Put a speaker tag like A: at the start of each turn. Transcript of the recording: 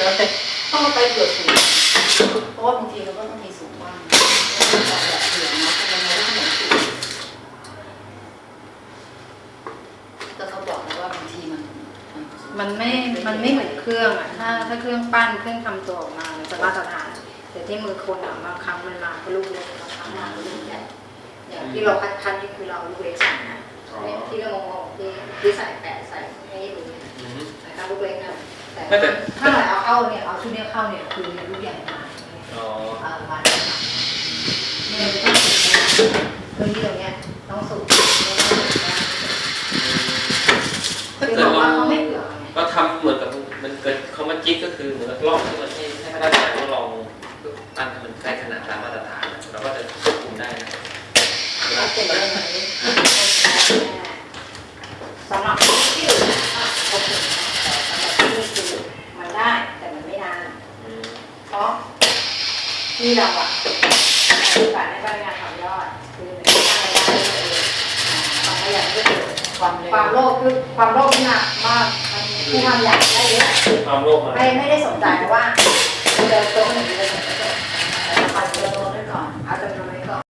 A: ต้องไปเผื่อสูงเพราะว่าบางทีเราก็ต้องมีสูงบ้างแบบเผื่อเนาะเพราะมันไม่ได้ขนมสูงแต่เขาบอกนะว่าบางที
B: มันไม่เหมือนเครื่องอ่ะถ้าเครื่องปั้นเครื่องทำตัวออกมามันจะมาตรฐานแต่ที่มือคนอ่ะบางครั้งมันมาก็ลูกเล็กบางครั้งมาก็ลูกใหญ่อย่างที่เราคัดนี่คือเราลูกเล็กใส่นะที่เรางงที่ใส่แปะใส่ให้ดูใส่ตามลูกเล็กนะแต่ถ้าเราเอาเข้าเนี่ยเอาชุดนี้เข้าเนี่ยคือลูกใหญ่มามาเนี่ยต้องสูงเครื่องที่ตรงเนี้ยต้องสูง
C: ถ้าเกิดเราทำเหมือนกับมันเกิดเขามาจิ๊กก็คือเหมือนกับลอกที่มันให้พนักงานทดลองปั้นให้มันใกล้ขนาดตามมาตรฐานเราก็จะควบคุมได้นะ
B: สำหรับที่อื่นโอเคแต่สำหรับที่นี่คือมันได้แต่มันไม่นานเพราะที่เราอ่ะคือการให้พนักงานทำยอดคือมันสร้างรายได้ด้วยตัวเองความขยันด้วยความโลภคือความโลภนี่หนักมากมันที่ทำอยากได้เยอะ
C: ความโลภ
B: ไม่ได้สนใจว่าเจอตัวหนึ่งจะสนใจเอาจำนวนไว้ก่อนเอาจำนวนไว้ก่อน